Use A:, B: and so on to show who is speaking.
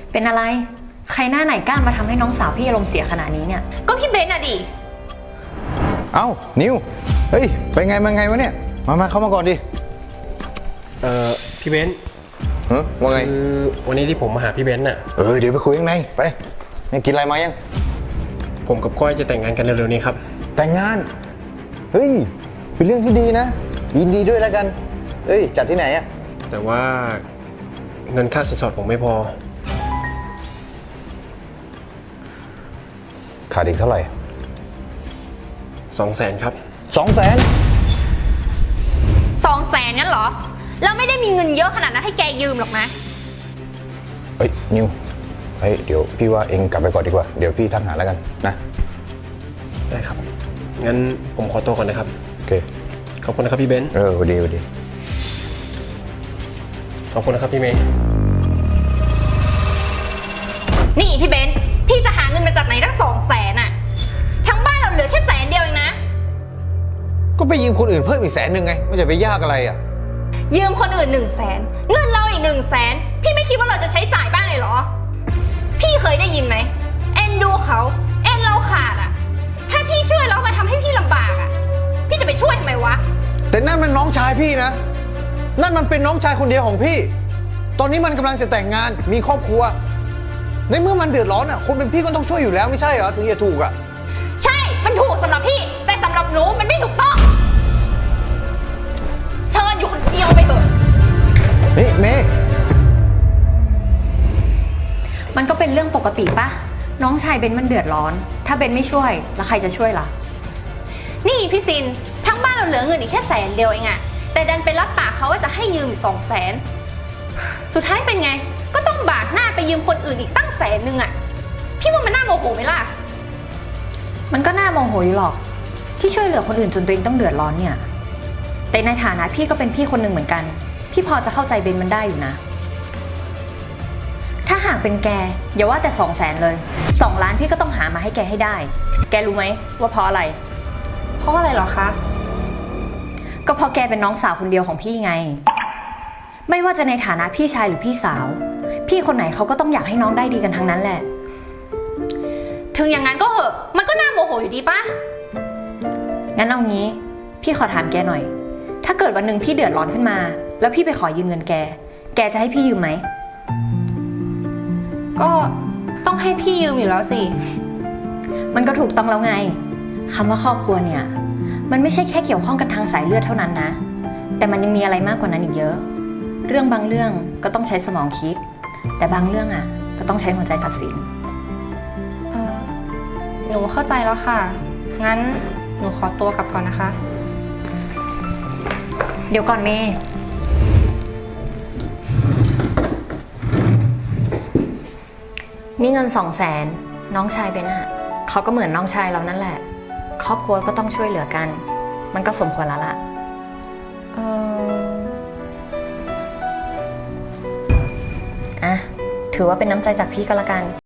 A: เป็นอะไรใครหน้าไหนกล้ามาทำให้น้องสาวพี่อารมณ์เสียขนาดนี้เนี่ย
B: ก็พี่เบนอะดิ
C: เอ้านิวเฮ้ยไปไงมาไงวะเนี่ยมาเข้ามาก่อนดิ
D: พี่เบนซ์
C: ว่าไง
D: คือวันนี้ที่ผมมาหาพี่เบนซ์น่ะ
C: เดี๋ยวไปคุยข้างในไปนี่กินอะไรมายัง
D: ผมกับก้อยจะแต่งงานกันเร็วๆนี้ครับ
C: แต่งงานเฮ้ยเป็นเรื่องที่ดีนะยินดีด้วยแล้วกันเฮ้ยจัดที่ไหนอะ
D: แต่ว่าเงินค่าสินสอดผมไม่พอ
C: ขาดอีกเท่าไหร่
D: 200,000ครับ
C: 200,000
B: 200,000งั้นเหรอเราไม่ได้มีเงินเยอะขนาดนั้นให้แกยืมหรอกนะ
C: เฮ้ยนิวเฮ้ยเดี๋ยวพี่ว่าเองกลับไปก่อนดีกว่าเดี๋ยวพี่ทักหาแล้วกันนะ
D: ได้ครับงั้นผมขอตัวก่อนนะครับ
C: โอเค
D: ขอบคุณนะครับพี่เบนซ์
C: สวัสดี
D: ขอบคุณนะครับพี่เมย์
B: นี่พี่เบนซ์พี่จะหาเงินมาจากไหนตั้ง200,000อะทั้งบ้านเราเหลือแค่100,000เดียวเองนะ
C: ก็ไปยืมคนอื่นเพิ่มอีก100,000ไงไม่ใช่ไปยากอะไรอ่ะ
B: ยืมคนอื่น100,000เงินเราอีก100,000พี่ไม่คิดว่าเราจะใช้จ่ายบ้างเลยเหรอพี่เคยได้ยินไหมเอ็นดูเขาเอ็นเราขาดอะถ้าพี่ช่วยเรามาทำให้พี่ลำบากอะพี่จะไปช่วยทำไมวะ
C: แต่นั่นมันน้องชายพี่นะนั่นมันเป็นน้องชายคนเดียวของพี่ตอนนี้มันกำลังจะแต่งงานมีครอบครัวในเมื่อมันเดือดร้อนอ่ะคนเป็นพี่ก็ต้องช่วยอยู่แล้วไม่ใช่เหรอถึงจะถูกอ่ะ
B: ใช่มันถูกสำหรับพี่แต่สำหรับหนูมันไม่ถูกต้องเชิญอยู่คนเดียวไปเถอะ
C: นี่เมย์
A: มันก็เป็นเรื่องปกติปะน้องชายเบนมันเดือดร้อนถ้าเบนไม่ช่วยแล้วใครจะช่วยล่ะ
B: นี่พี่ซินทั้งบ้านเราเหลือเงินอีกแค่100,000เดียวเองอะแต่ดันไปรับปากเขาว่าจะให้ยืมอีก200,000สุดท้ายเป็นไงก็ต้องบากหน้าไปยืมคนอื่นอีกตั้ง100,000อะพี่ว่ามันน่าโมโหไหมล่ะ
A: มันก็น่าโมโหอยู่หรอกที่ช่วยเหลือคนอื่นจนตัวเองต้องเดือดร้อนเนี่ยแต่ในฐานะพี่ก็เป็นพี่คนหนึ่งเหมือนกันพี่พอจะเข้าใจเบนมันได้อยู่นะถ้าหากเป็นแกอย่าว่าแต่200,000เลย2 ล้านพี่ก็ต้องหามาให้แกให้ได้แกรู้ไหมว่าเพราะอะไร
B: เพราะอะไรหรอคะ
A: ก็เพราะแกเป็นน้องสาวคนเดียวของพี่ไงไม่ว่าจะในฐานะพี่ชายหรือพี่สาวพี่คนไหนเขาก็ต้องอยากให้น้องได้ดีกันทั้งนั้นแหละ
B: ถึงอย่างนั้นก็เหอะมันก็น่าโมโหอยู่ดีปะ
A: งั้นเอางี้พี่ขอถามแกหน่อยถ้าเกิดวันหนึ่งพี่เดือดร้อนขึ้นมาแล้วพี่ไปขอยืมเงินแกจะให้พี่ยืมไหม
B: ก็ต้องให้พี่ยืมอยู่แล้วสิ
A: มันก็ถูกต้องแล้วไงคำว่าครอบครัวเนี่ยมันไม่ใช่แค่เกี่ยวข้องกันทางสายเลือดเท่านั้นนะแต่มันยังมีอะไรมากกว่านั้นอีกเยอะเรื่องบางเรื่องก็ต้องใช้สมองคิดแต่บางเรื่องอ่ะก็ต้องใช้หัวใจตัดสิน
B: หนูเข้าใจแล้วค่ะงั้นหนูขอตัวกลับก่อนนะคะ
A: เดี๋ยวก่อนเมย์นี่เงิน200,000น้องชายเบนอะเขาก็เหมือนน้องชายเรานั่นแหละครอบครัวก็ต้องช่วยเหลือกันมันก็สมควรแล้วล่ะถือว่าเป็นน้ำใจจากพี่ก็แล้วกัน